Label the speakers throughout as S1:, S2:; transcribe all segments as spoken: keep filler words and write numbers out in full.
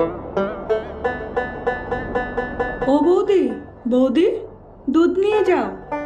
S1: ও বৌদি, বৌদি, দুধ নিয়ে যাও।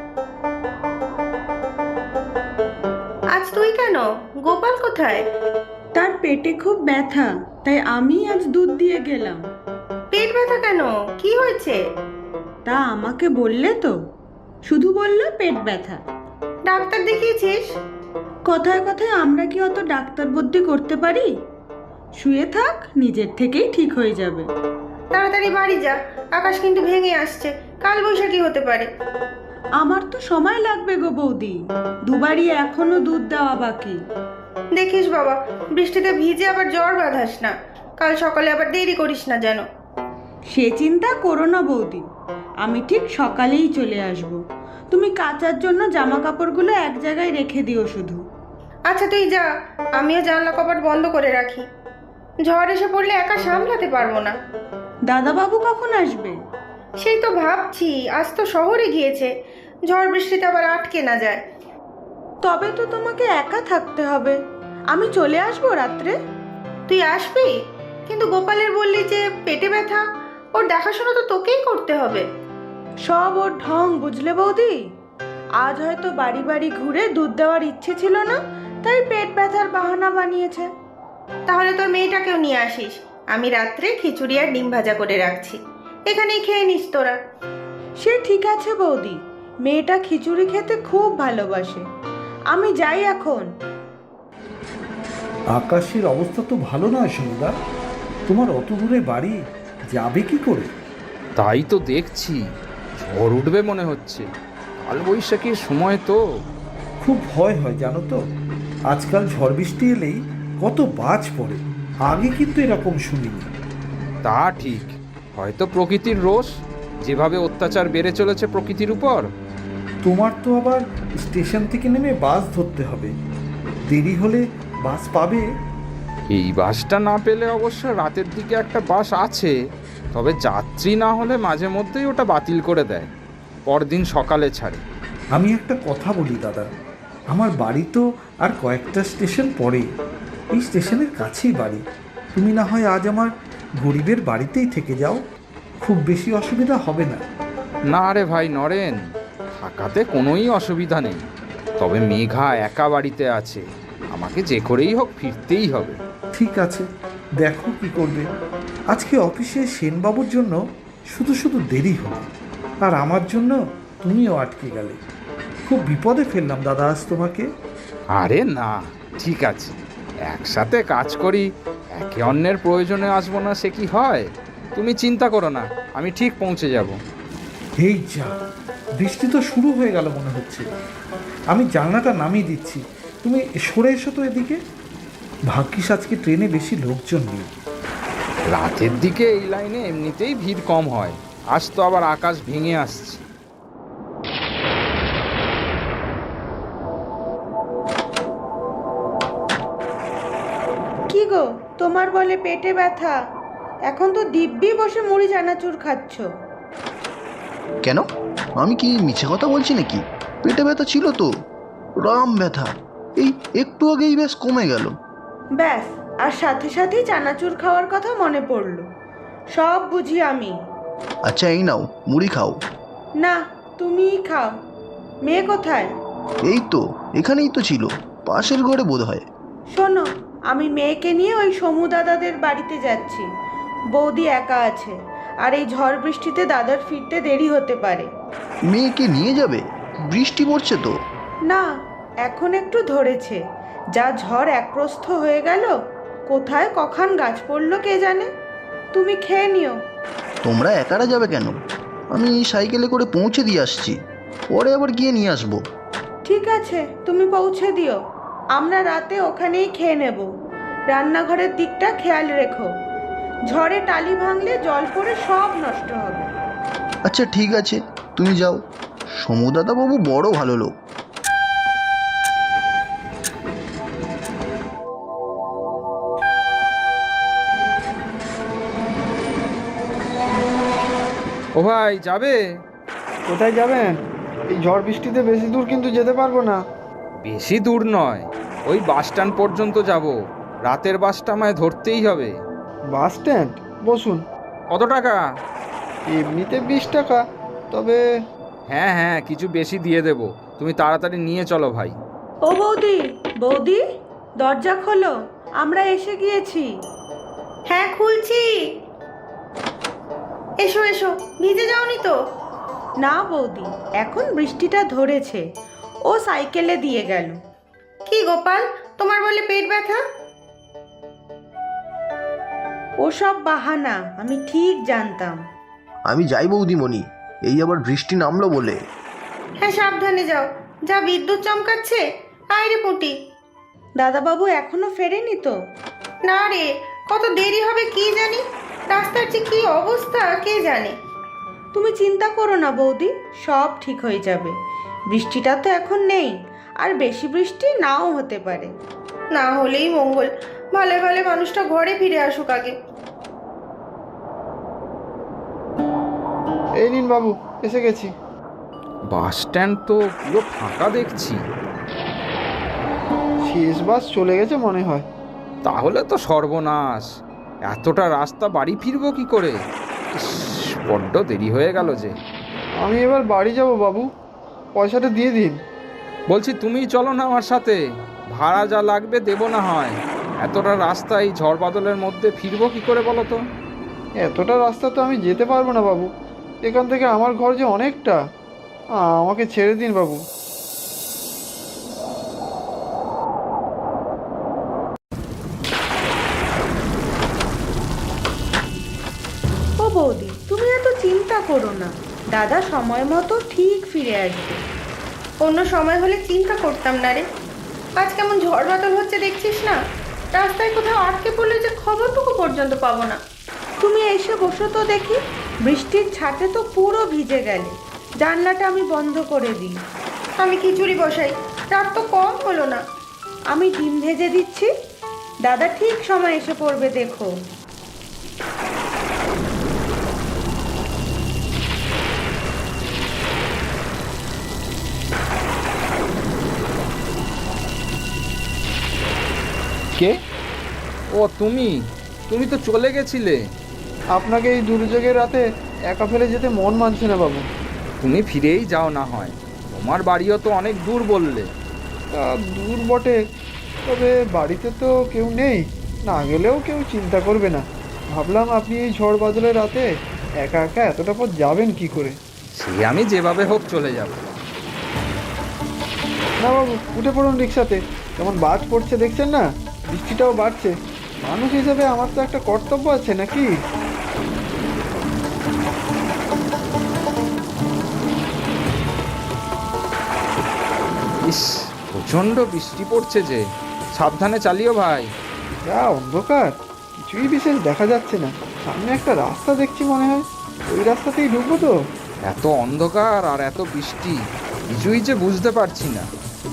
S2: আজ তুই কেন? গোপাল কোথায়?
S1: তার পেটে খুব ব্যথা, তাই আমি আজ দুধ দিয়ে গেলাম।
S2: পেট ব্যথা কেন? কি হয়েছে?
S1: তা আমাকে বললে তো, শুধু বললে পেট ব্যথা।
S2: ডাক্তার দেখিয়েছিস?
S1: কথায় কথায় আমরা কি অত ডাক্তার বুদ্ধি করতে পারি? শুয়ে থাক, নিজের থেকেই ঠিক হয়ে যাবে।
S2: তাড়াতাড়ি বাড়ি যা, আকাশ কিন্তু ভেঙে আসছে, কাল বৈশাখী হতে পারে।
S1: আমার তো সময় লাগবে গো বৌদি, দুবারই এখনো দুধ দেওয়া বাকি।
S2: দেখিস বাবা, বৃষ্টিতে ভিজে আবার জ্বর বাঁধাস না, কাল সকালে আবার দেরি করিস না যেন।
S1: সে চিন্তা করো না বৌদি, আমি ঠিক সকালেই চলে আসব। তুমি কাচার জন্য জামা কাপড়গুলো এক জায়গায় রেখে দিও শুধু।
S2: আচ্ছা তুই যা, আমিও জানলা কপাট বন্ধ করে রাখি। ঝড় এসে পড়লে একা সামলাতে পারবো না।
S1: দাদাবাবু কখন আসবে?
S2: সেই তো ভাবছি, আজ তো শহরে গিয়েছে, ঝড় বৃষ্টিতে আবার আটকে না যায়।
S1: তবে তো তোমাকে একা থাকতে হবে। আমি চলে আসবো রাত্রে।
S2: তুই আসবি? কিন্তু গোপালের বললি যে পেটে ব্যথা, ওর দেখাশোনা তো তোকেই করতে হবে।
S1: সব ওর ঢং, বুঝলে বৌদি? আজ হয়তো বাড়ি বাড়ি ঘুরে দুধ দেওয়ার ইচ্ছে ছিল না, তাই পেট ব্যথার বাহানা বানিয়েছে।
S2: তাহলে তোর মেয়েটাকেও নিয়ে আসিস, আমি রাত্রে খিচুড়ি আর ডিম ভাজা করে রাখছি, এখানেই খেয়ে নিস তোরা।
S1: সে ঠিক আছে বৌদি, মেয়েটা খিচুড়ি খেতে খুব ভালোবাসে। আমি যাই এখন।
S3: আকাশের অবস্থা তো ভালো নয় সমুদা, তোমার অত দূরে বাড়ি, যাবে কি করে?
S4: তাই তো দেখছি, ঝড় উঠবে মনে হচ্ছে, কাল বৈশাখীর সময় তো।
S3: খুব ভয় হয় জানো তো, আজকাল ঝড় বৃষ্টি এলেই কত বাজ পড়ে, আগে কিন্তু এরকম শুনিনি।
S4: তা ঠিক, হয়তো প্রকৃতির রোষ, যেভাবে অত্যাচার বেড়ে চলেছে প্রকৃতির উপর।
S3: তোমার তো আবার স্টেশন থেকে নেমে বাস ধরতে হবে, দেরি হলে বাস পাবে?
S4: এই বাসটা না পেলে অবশ্য রাতের দিকে একটা বাস আছে, তবে যাত্রী না হলে মাঝে মধ্যেই ওটা বাতিল করে দেয়, পরদিন সকালে ছাড়ে।
S3: আমি একটা কথা বলি দাদা, আমার বাড়ি তো আর কয়েকটা স্টেশন পরে, এই স্টেশনের কাছেই বাড়ি। তুমি না হয় আজ আমার গরিবের বাড়িতেই থেকে যাও, খুব বেশি অসুবিধা হবে না।
S4: না রে ভাই নরেন, থাকাতে কোনোই অসুবিধা নেই, তবে মেঘা একা বাড়িতে আছে, আমাকে যে করেই হোক ফিরতেই হবে।
S3: ঠিক আছে, দেখো কি করবে। আজকে অফিসে সেনবাবুর জন্য শুধু শুধু দেরি হলো, আর আমার জন্য তুমিও আটকে গেলে। খুব বিপদে ফেললাম দাদা আজ তোমাকে।
S4: আরে না, ঠিক আছে, একসাথে কাজ করি, একে অন্যের প্রয়োজনে আসবো না সে কি হয়? তুমি চিন্তা করো না, আমি ঠিক পৌঁছে যাব।
S3: এই যা, বৃষ্টি তো শুরু হয়ে গেল মনে হচ্ছে। আমি জানলাটা নামিয়ে দিচ্ছি, তুমি সরে এসো তো এদিকে। ভাগ্যিস আজকে ট্রেনে বেশি লোকজন নেই।
S4: রাতের দিকে এই লাইনে এমনিতেই ভিড় কম হয়, আজ তো আবার আকাশ ভেঙে আসছে।
S1: কি গো, তোমার বলে পেটে ব্যথা, এখন তো দিব্যি বসে মুড়ি চানাচুর খাচ্ছ।
S5: কেন? আমি কি মিছে কথা বলছি নাকি? পেটে ব্যথা ছিল তো, রাম ব্যথা, এই একটু আগেই বেশ কমে গেল।
S1: ব্যাস, আর সাথে সাথেই চানাচুর খাওয়ার কথা মনে পড়লো। সব বুঝি আমি।
S5: আচ্ছা এই নাও, মুড়ি খাও।
S1: না, তুমিই খাও। মেয়ে কোথায়?
S5: এই তো এখানেই তো ছিল, পাশের ঘরে বোধ হয়।
S1: শোনো, আমি মেয়েকে নিয়ে ওই সমু দাদাদের বাড়িতে যাচ্ছি। বৌদি একা আছে, আর এই ঝড় বৃষ্টিতে দাদার ফিরতে দেরি হতে পারে।
S5: মেয়েকে নিয়ে যাবে? বৃষ্টি পড়ছে তো।
S1: না, এখন একটু ধরেছে, যা ঝড় একপ্রস্থ হয়ে গেল, কোথায় কখন গাছ পড়লো কে জানে। তুমি খেয়ে নিও।
S5: তোমরা একারা যাবে কেন? আমি সাইকেলে করে পৌঁছে দিয়ে আসছি, পরে আবার গিয়ে নিয়ে আসবো।
S1: ঠিক আছে, তুমি পৌঁছে দিও, আমরা রাতে ওখানেই খেয়ে নেব। রান্নাঘরের দিকটা খেয়াল রেখো, ঝড়ে টালি ভাঙলে জল পড়ে সব নষ্ট হবে।
S5: আচ্ছা ঠিক আছে, তুমি যাও। সমুদাদাবাবু বড় ভালো লোক।
S4: ও ভাই, যাবে?
S6: কোথায় যাবেন? এই ঝড় বৃষ্টিতে বেশি দূর কিন্তু যেতে পারবো না।
S4: বেশি দূর নয়, ওই বাস স্ট্যান্ড পর্যন্ত যাব, রাতের বাসটা আমায় ধরতেই হবে।
S6: Bus stand? বসুন।
S4: কত টাকা?
S6: এমনিতে বিশ টাকা, তবে
S4: হ্যাঁ হ্যাঁ, কিছু বেশি দিয়ে দেবো, তুমি তাড়াতাড়ি নিয়ে চলো ভাই।
S1: ও বৌদি, বৌদি দরজা খোলো, আমরা এসে গিয়েছি।
S2: হ্যাঁ খুলছি। এসো এসো, ভিজে যাওনি তো?
S1: না বৌদি, এখন বৃষ্টিটা ধরেছে, ও সাইকেলে দিয়ে গেল।
S2: কি গোপাল, তোমার বলে পেট ব্যথা?
S1: ওসব বাহানা, আমি ঠিক জানতাম।
S5: আমি যাই বৌদিমণি, এই আবার বৃষ্টি নামলো বলে।
S2: হ্যাঁ সাবধানে যাও, যা বিদ্যুৎ চমকাচ্ছে। আয় রে পুটি।
S1: দাদাবাবু এখনো ফেরেনি তো?
S2: না রে, কত দেরি হবে কি জানি, রাস্তার যে কি অবস্থা কে জানে।
S1: তুমি চিন্তা করো না বৌদি, সব ঠিক হয়ে যাবে। বৃষ্টিটা তো এখন নেই, আর বেশি বৃষ্টি নাও হতে পারে।
S2: না হলেই মঙ্গল, ভালো ভালো মানুষটা ঘরে ফিরে আসুক আগে।
S6: এই নিন বাবু, এসে গেছি।
S4: বাস স্ট্যান্ড তো পুরো ফাঁকা দেখছি।
S6: শেষ বাস চলে গেছে মনে হয়।
S4: তাহলে তো সর্বনাশ, এতটা রাস্তা বাড়ি ফিরবো কি করে? ইস, বড্ড দেরি হয়ে গেল যে।
S6: আমি এবার বাড়ি যাব বাবু, পয়সাটা দিয়ে দিন।
S4: বলছি তুমি চলো না আমার সাথে, ভাড়া যা লাগবে দেবো না হয়। এতটা রাস্তা এই ঝড় বাদলের মধ্যে ফিরবো কি করে বলো তো?
S6: এতটা রাস্তা তো আমি যেতে পারবো না বাবু, এখান থেকে আমার ঘর যে অনেকটা। আমাকে ছেড়ে দিন বাবু।
S1: ও বৌদি, তুমি এত চিন্তা করো না, দাদা সময় মতো ঠিক ফিরে আসবে।
S2: অন্য সময় হলে চিন্তা করতাম না রে, আজ কেমন ঝড় বাদল হচ্ছে দেখছিস না, রাস্তায় কোথাও আটকে পড়লে যে খবরটুকু পর্যন্ত পাবো না।
S1: তুমি এসে বসো তো দেখি, বৃষ্টির ছাটে তো পুরো ভিজে গেলে। জানলাটা আমি বন্ধ করে দিই।
S2: আমি খিচুড়ি বসাই, রাত তো কম হলো না।
S1: আমি ডিম ভেজে দিচ্ছি, দাদা ঠিক সময় এসে পড়বে দেখো।
S4: কে? ও তুমি, তুমি তো চলে গেছিলে।
S6: আপনাকে এই দুর্যোগের রাতে একা ফেলে যেতে মন মানছে না বাবু।
S4: তুমি ফিরেই যাও না হয়, তোমার বাড়িও তো অনেক দূর বললে।
S6: তা দূর বটে, তবে বাড়িতে তো কেউ নেই, না গেলেও কেউ চিন্তা করবে না। ভাবলাম আপনি এই ঝড় বাদলের রাতে একা একা এতটা পথ যাবেন কি করে।
S4: সে আমি যেভাবে হোক চলে যাব।
S6: না বাবু, উঠে পড়ুন রিক্সাতে, কেমন বাজ পড়ছে দেখছেন না, বৃষ্টিটাও বাড়ছে। মানুষ হিসেবে আমার তো একটা কর্তব্য আছে নাকি।
S4: ইস, প্রচণ্ড বৃষ্টি পড়ছে যে, সাবধানে চালিও ভাই।
S6: যা অন্ধকার, কিছুই বিশেষ দেখা যাচ্ছে না। সামনে একটা রাস্তা দেখছি মনে হয়, ওই রাস্তাতেই ঢুকবো তো।
S4: এত অন্ধকার আর এত বৃষ্টি, কিছুই যে বুঝতে পারছি না।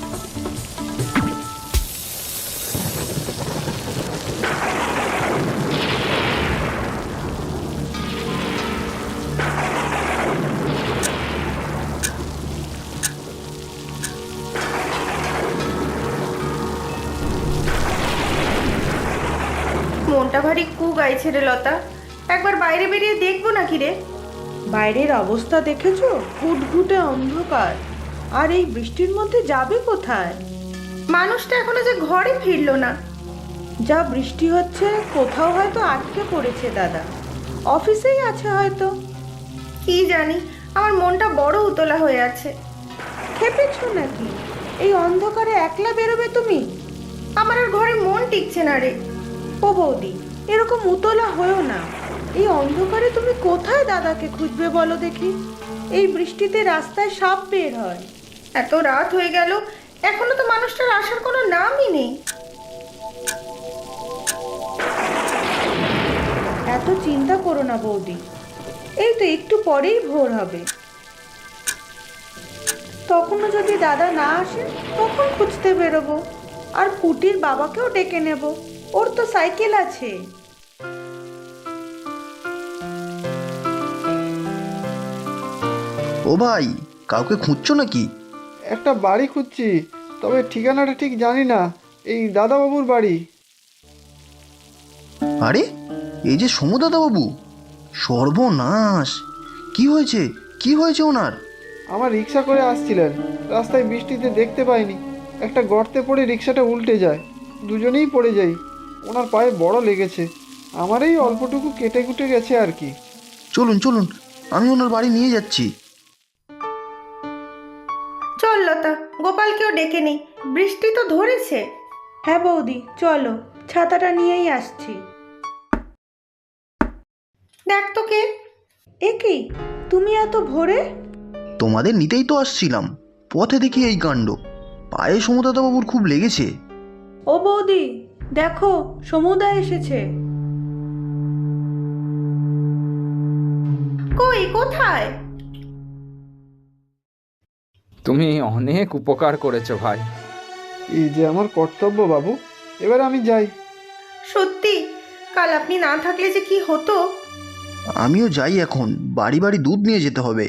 S2: মনটা ভারী কু গাইছে রে লতা, একবার বাইরে বেরিয়ে দেখবো নাকি রে।
S1: বাইরের অবস্থা দেখেছো, ঘুটঘুটে অন্ধকার, আর এই বৃষ্টির মধ্যে যাবে কোথায়?
S2: মানুষটা এখনো যে ঘরে ফিরলো না।
S1: যা বৃষ্টি হচ্ছে, কোথাও হয়তো আটকে পড়েছে দাদা, অফিসেই আছে হয়তো।
S2: কি জানি, আমার মনটা বড় উতলা হয়ে আছে।
S1: খেপেছো নাকি? এই অন্ধকারে একলা বেরোবে তুমি?
S2: আমার আর ঘরে মন টিকছে না রে।
S1: ও বৌদি, এরকম উতলা হয়েও না। এই অন্ধকারে তুমি কোথায় দাদাকে খুঁজবে বলো দেখি? এই বৃষ্টিতে রাস্তায় সাপ বের হয়।
S2: এত রাত হয়ে গেল, এখনো তো মানুষটার আসার কোনো নামই নেই।
S1: এত চিন্তা করো না বৌদি, এই তো একটু পরেই ভোর হবে। তখনও যদি দাদা না আসে, তখন খুঁজতে বেরোবো। আর পুটির বাবাকেও ডেকে নেব, ওর তো সাইকেল আছে।
S5: ও ভাই, কাউকে খুঁজছো নাকি?
S6: একটা বাড়ি খুঁজছি, তবে ঠিকানাটা ঠিক জানি না। এই দাদাবাবুর বাড়ি।
S5: আরে, এই যে সমুদাদাবাবু, সর্বনাশ! কি হয়েছে, কি হয়েছে ওনার?
S6: আমার রিক্সা করে আসছিলেন, রাস্তায় বৃষ্টিতে দেখতে পাইনি, একটা গর্তে পড়ে রিক্সাটা উল্টে যায়, দুজনেই পড়ে যাই। ওনার পায়ে বড় লেগেছে, আমার এই অল্পটুকু কেটে কুটে গেছে আর কি।
S5: চলুন চলুন, আমি ওনার বাড়ি নিয়ে যাচ্ছি।
S2: চল লতা, গোপালকেও ডেকে নেই, বৃষ্টি তো ধরেছে।
S1: হ্যাঁ বৌদি, চলো, ছাতাটা নিয়েই আসছি।
S2: দেখ তো কে।
S1: এ কি, তুমি এত ভোরে?
S5: তোমাদের নিতেই তো আসছিলাম, পথে দেখি এই কাণ্ড। পায়ে সমুদাদাবাবুর খুব লেগেছে।
S1: ও বৌদি, দেখো সমুদা এসেছে।
S2: কই, কোথায়?
S4: তুমি অনেক উপকার করেছো ভাই।
S6: এই যে আমার কর্তব্য বাবু, এবার আমি যাই।
S2: সত্যি, কাল আপনি না থাকলে যে কি হতো।
S5: আমিও যাই এখন, বাড়ি বাড়ি দুধ নিয়ে যেতে হবে।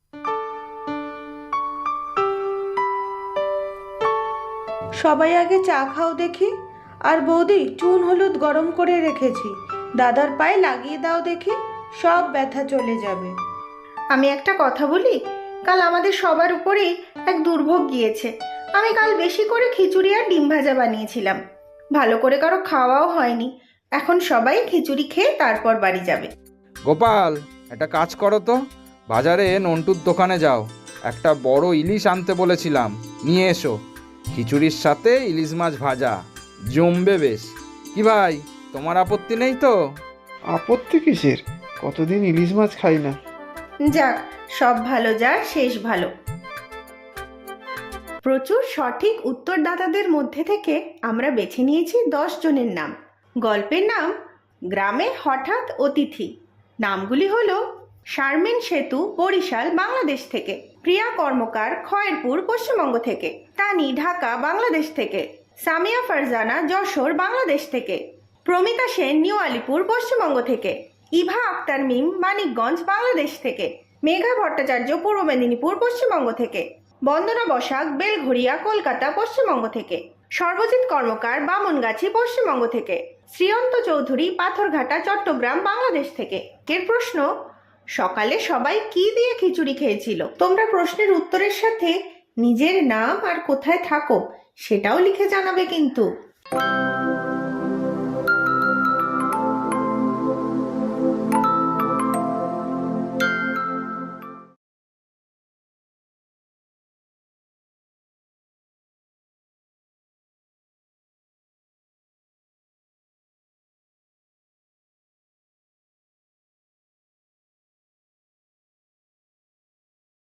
S1: সবাই আগে চা খাও দেখি। আর বৌদি, চুন হলুদ গরম করে রেখেছি, দাদার পায়ে লাগিয়ে দাও দেখি, সব ব্যথা চলে যাবে।
S2: আমি একটা কথা বলি, কাল আমাদের সবার উপরেই এক দুর্ভোগ গিয়েছে। আমি কাল বেশি করে খিচুড়ি আর ডিম ভাজা বানিয়েছিলাম, ভালো করে কারো খাওয়াও হয়নি। এখন সবাই খিচুড়ি খেয়ে তারপর বাড়ি যাবে।
S4: গোপাল, একটা কাজ করো তো, বাজারে নন্টুর দোকানে যাও, একটা বড় ইলিশ আনতে বলেছিলাম, নিয়ে এসো। খিচুড়ির সাথে ইলিশ মাছ ভাজা জমবে বেশ। কি ভাই, তোমার আপত্তি নেই তো?
S6: আপত্তি কিসের, কতদিন ইলিশ মাছ খাই না।
S2: যাক, সব ভালো যার শেষ ভালো। প্রচুর সঠিক উত্তরদাতাদের মধ্যে থেকে আমরা বেছে নিয়েছি দশ জনের নাম। গল্পের নাম গ্রামে হঠাৎ অতিথি। নামগুলি হলো শারমিন সেতু, বরিশাল, বাংলাদেশ থেকে; প্রিয়া কর্মকার, খয়েরপুর, পশ্চিমবঙ্গ থেকে; তানি, ঢাকা, বাংলাদেশ থেকে; সামিয়া ফারজানা, যশোর, বাংলাদেশ থেকে; প্রমিতা সেন, নিউ আলিপুর, পশ্চিমবঙ্গ থেকে; ইভা আক্তার মিম, মানিকগঞ্জ, বাংলাদেশ থেকে; মেঘা ভট্টাচার্য, পূর্ব মেদিনীপুর, পশ্চিমবঙ্গ থেকে; বন্দনা বসাক, বেলঘড়িয়া, কলকাতা, পশ্চিমবঙ্গ থেকে; সর্বজিৎ কর্মকার, বামনগাছি, পশ্চিমবঙ্গ থেকে; শ্রীয়ন্ত চৌধুরী, পাথরঘাটা, চট্টগ্রাম, বাংলাদেশ থেকে। এর প্রশ্ন, সকালে সবাই কি দিয়ে খিচুড়ি খেয়েছিল? তোমরা প্রশ্নের উত্তরের সাথে নিজের নাম আর কোথায় থাকো সেটাও লিখে জানাবে কিন্তু।